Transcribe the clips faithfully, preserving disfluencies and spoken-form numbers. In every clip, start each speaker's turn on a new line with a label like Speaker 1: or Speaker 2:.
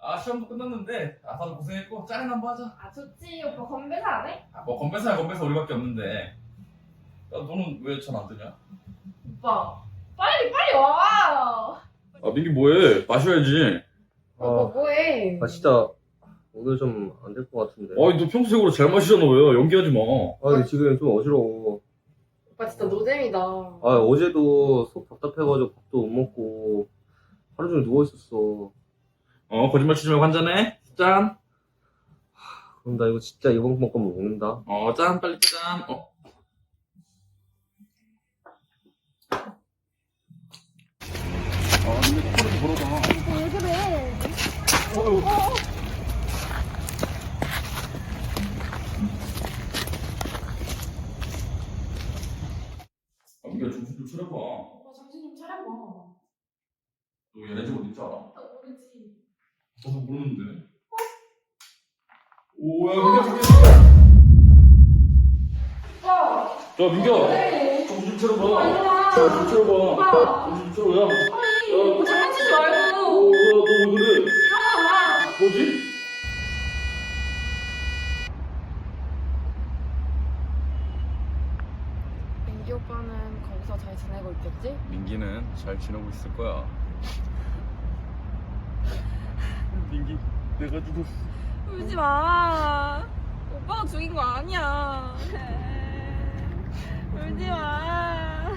Speaker 1: 아, 시험도 끝났는데, 아, 다들 고생했고, 짠 한번 하자.
Speaker 2: 아 좋지. 오빠 건배사 안 해?
Speaker 1: 아, 뭐, 건배사야, 건배사 우리밖에 없는데. 야, 너는 왜 전 안 드냐?
Speaker 2: 오빠 빨리 빨리 와.
Speaker 1: 아, 민기 뭐해? 마셔야지.
Speaker 2: 오빠 뭐해?
Speaker 3: 아 진짜 오늘 좀 안 될 것 같은데.
Speaker 1: 아니, 너 평소적으로 잘 마시잖아, 왜? 연기하지 마.
Speaker 3: 아 근데 지금 좀 어지러워.
Speaker 2: 오빠 진짜 노잼이다.
Speaker 3: 아 어제도 속 답답해가지고 밥도 못 먹고 하루 종일 누워 있었어.
Speaker 1: 어, 거짓말 치지 말고 한잔해. 짠.
Speaker 3: 그럼 나 이거 진짜 이번 번 거면 먹는다.
Speaker 1: 어, 짠, 빨리 짠. 어. 아, 근데 코를 걸어봐.
Speaker 2: 왜 그래?
Speaker 1: 어휴. 아, 민기야, 정신 좀 차려봐.
Speaker 2: 오빠 정신 좀 차려봐.
Speaker 1: 너 얘네 집 어디 있지 않아?
Speaker 2: 나 모르지.
Speaker 1: 저도 모르는데. 오야, 민기야, 민기야.
Speaker 2: 오빠.
Speaker 1: 야, 민기야.
Speaker 2: 왜?
Speaker 1: 정신 좀
Speaker 2: 오빠
Speaker 1: 차려봐.
Speaker 2: 일어나.
Speaker 1: 정신 좀 차려봐.
Speaker 2: 오빠.
Speaker 1: 정신 좀 차려, 야.
Speaker 2: 아니
Speaker 1: 야.
Speaker 2: 오빠 장난치지 말고.
Speaker 1: 어, 야, 너 왜 그래?
Speaker 2: 일어나.
Speaker 1: 뭐지?
Speaker 2: 민기 오빠는 거기서 잘 지내고 있겠지?
Speaker 1: 민기는 잘 지내고 있을 거야. 민기, 내가 죽었어.
Speaker 2: 울지 마. 오빠가 죽인 거 아니야. 울지 마.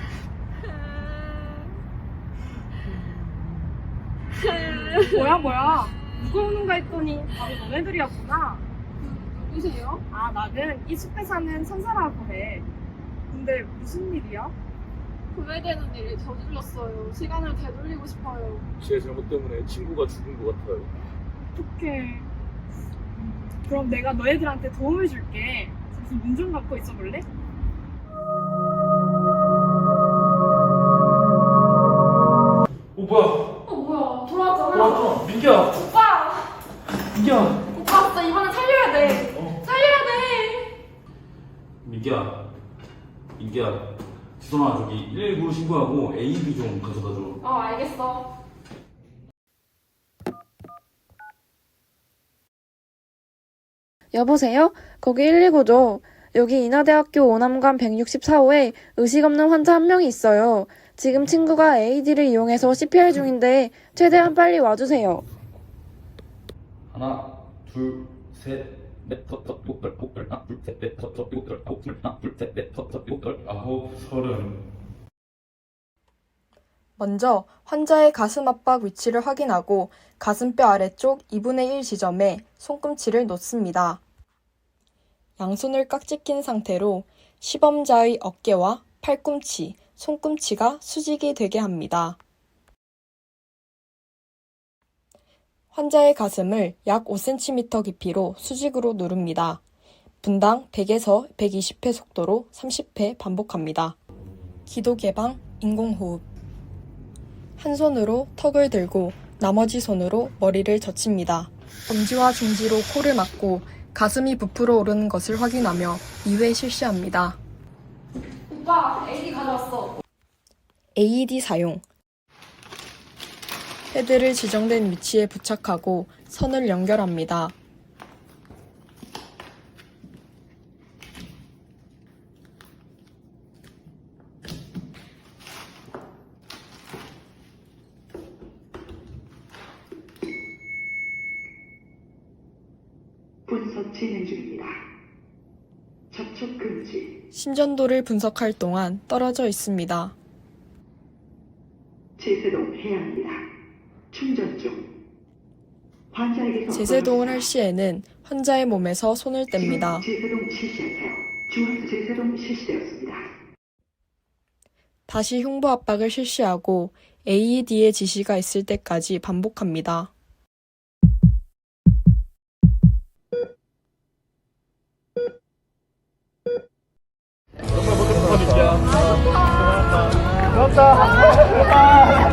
Speaker 4: 뭐야 뭐야 누가 오는가 했더니 바로 너네들이었구나.
Speaker 2: 누구세요?
Speaker 4: 아 나는 이 숲에 사는 천사라고 해. 근데 무슨 일이야?
Speaker 2: 후회되는 일을 저질렀어요. 시간을 되돌리고 싶어요.
Speaker 1: 제 잘못 때문에 친구가 죽은 것 같아요.
Speaker 4: 어떡해. 그럼 내가 너희들한테 도움을 줄게. 잠시 문 좀 갖고 있어 볼래?
Speaker 1: 어, 뭐야?
Speaker 2: 어 뭐야 돌아왔잖아.
Speaker 1: 돌아왔잖아. 민기야.
Speaker 2: 오빠.
Speaker 1: 민기야.
Speaker 2: 오빠 진짜 이번엔 살려야 돼.
Speaker 1: 어.
Speaker 2: 살려야 돼.
Speaker 1: 민기야. 민기야. 지선아, 저기 일일구로 신고하고 에이비 좀 가져다 줘.
Speaker 2: 어 알겠어.
Speaker 5: 여보세요? 거기 일이구죠. 여기 인하대학교 오남관 백육십사 호에 의식 없는 환자 한 명이 있어요. 지금 친구가 에이디를 이용해서 씨피알 중인데 최대한 빨리 와주세요.
Speaker 1: 하나, 둘, 셋, 넷, 다섯, 여섯, 일곱, 열, 하나, 둘, 셋, 넷, 다섯, 여섯, 일곱, 열, 아홉, 열, 하나, 둘, 셋, 넷, 다섯, 여섯, 일곱, 열, 아홉, 서른.
Speaker 6: 먼저 환자의 가슴 압박 위치를 확인하고 가슴뼈 아래쪽 이분의 일 지점에 손꿈치를 놓습니다. 양손을 깍지 낀 상태로 시범자의 어깨와 팔꿈치, 손꿈치가 수직이 되게 합니다. 환자의 가슴을 약 오 센티미터 깊이로 수직으로 누릅니다. 분당 백에서 백이십 회 속도로 삼십 회 반복합니다. 기도 개방, 인공호흡. 한 손으로 턱을 들고 나머지 손으로 머리를 젖힙니다. 엄지와 중지로 코를 막고 가슴이 부풀어 오르는 것을 확인하며 이 회 실시합니다.
Speaker 2: 오빠 에이디 가져왔어.
Speaker 6: 에이이디 사용. 패드를 지정된 위치에 부착하고 선을 연결합니다.
Speaker 7: 분석 진행 중입니다. 접촉 금지.
Speaker 6: 심전도를 분석할 동안 떨어져 있습니다.
Speaker 7: 제세동 해야 합니다. 충전 중. 환자에게서
Speaker 6: 제세동을 할 시에는 환자의 몸에서 손을 뗍니다.
Speaker 7: 제세동 실시하세요. 중앙 제세동 실시되었습니다.
Speaker 6: 다시 흉부 압박을 실시하고 에이이디의 지시가 있을 때까지 반복합니다.
Speaker 3: 고맙다.